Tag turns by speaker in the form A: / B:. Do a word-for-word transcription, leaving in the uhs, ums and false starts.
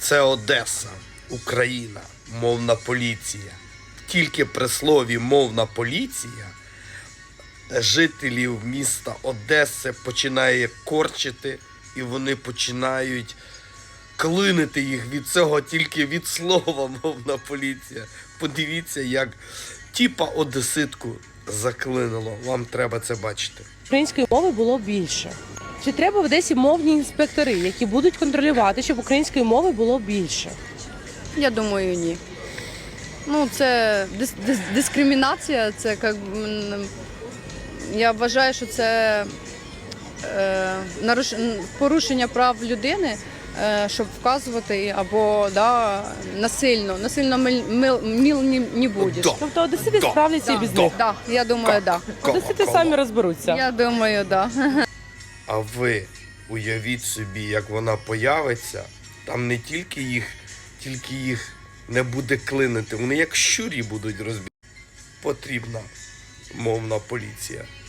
A: Це Одеса, Україна, мовна поліція. Тільки при слові «мовна поліція» жителів міста Одеси починає корчити, і вони починають клинити їх від цього тільки від слова «мовна поліція». Подивіться, як тіпа одеситку заклинило. Вам треба це бачити.
B: Української мови було більше. Чи треба в Одесі мовні інспектори, які будуть контролювати, щоб української мови було більше?
C: Я думаю, ні. Ну, це дис- дис- дискримінація, це як, м, я вважаю, що це е, наруш- порушення прав людини, е, щоб вказувати або да, насильно, насильно мил, мил, мил не, не будеш.
A: Да.
B: Тобто одесити
A: Да.
B: справляться і без
A: Да.
B: них.
C: Так, я думаю, так. Да.
B: Одесити самі розберуться.
C: Я думаю, так. Да.
A: А ви уявіть собі, як вона появиться, там не тільки їх, тільки їх не буде клинити, вони як щурі будуть розбігати. Потрібна мовна поліція.